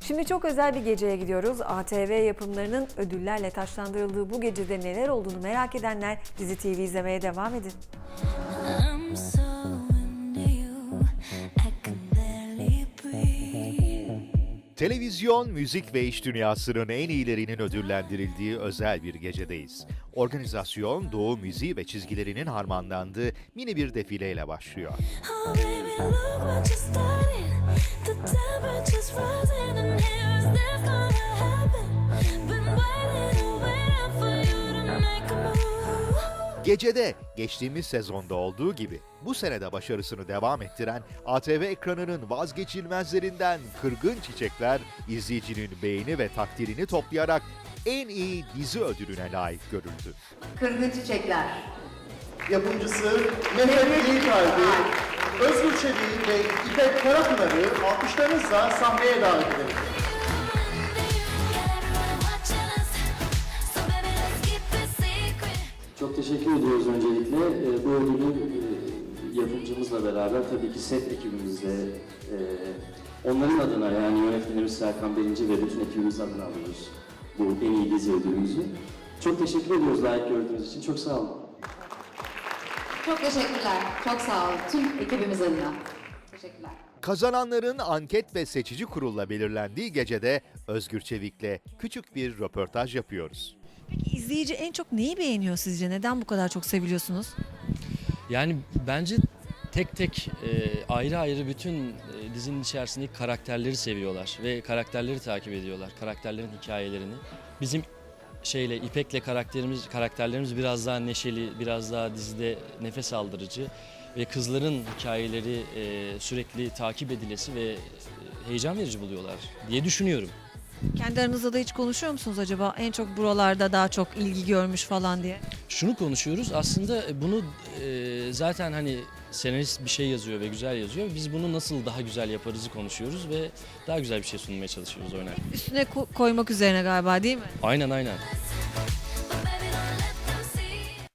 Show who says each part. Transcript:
Speaker 1: Şimdi çok özel bir geceye gidiyoruz. ATV yapımlarının ödüllerle taçlandırıldığı bu gecede neler olduğunu merak edenler Dizi TV izlemeye devam edin.
Speaker 2: I'm so into you, I can barely breathe.
Speaker 3: Televizyon, müzik ve iş dünyasının en iyilerinin ödüllendirildiği özel bir gecedeyiz. Organizasyon, doğu müziği ve çizgilerinin harmanlandığı mini bir defileyle başlıyor.
Speaker 2: Oh baby, look what you're starting. The temperature's rising and here is this gonna happen. Been waiting for you to make a move.
Speaker 3: Gecede geçtiğimiz sezonda olduğu gibi bu senede başarısını devam ettiren ATV ekranının vazgeçilmezlerinden Kırgın Çiçekler izleyicinin beğeni ve takdirini toplayarak en iyi dizi ödülüne layık görüldü.
Speaker 4: Kırgın Çiçekler.
Speaker 5: Yapımcısı Mehmet İyikalbi, Özgür Çelik'i ve İpek Karapınar'ı alkışlarınızla sahneye davet edelim.
Speaker 2: Everyone watching us, so baby let's keep it secret.
Speaker 6: Çok teşekkür ediyoruz öncelikle. Bu ödülü yapımcımızla beraber tabii ki set ekibimizle onların adına yani yönetmenimiz Serkan Birinci ve bütün ekibimiz adına alıyoruz bu en iyi dizi ödülümüzü. Çok teşekkür ediyoruz layık gördüğünüz için. Çok sağ olun.
Speaker 4: Çok teşekkürler. Çok sağ olun. Tüm ekibimiz adına. Teşekkürler.
Speaker 3: Kazananların anket ve seçici kurulla belirlendiği gecede Özgür Çevik'le küçük bir röportaj yapıyoruz.
Speaker 1: Peki izleyici en çok neyi beğeniyor sizce? Neden bu kadar çok seviliyorsunuz?
Speaker 7: Yani bence tek tek ayrı ayrı bütün dizinin içerisindeki karakterleri seviyorlar ve karakterleri takip ediyorlar. Karakterlerin hikayelerini. Bizim İpek'le karakterlerimiz biraz daha neşeli, biraz daha dizide nefes aldırıcı ve kızların hikayeleri sürekli takip edilesi ve heyecan verici buluyorlar diye düşünüyorum.
Speaker 1: Kendi aranızda da hiç konuşuyor musunuz acaba? En çok buralarda daha çok ilgi görmüş falan diye.
Speaker 7: Şunu konuşuyoruz aslında bunu zaten hani senarist bir şey yazıyor ve güzel yazıyor. Biz bunu nasıl daha güzel yaparızı konuşuyoruz ve daha güzel bir şey sunmaya çalışıyoruz oynarken.
Speaker 1: Üstüne koymak üzerine galiba değil mi?
Speaker 7: Aynen.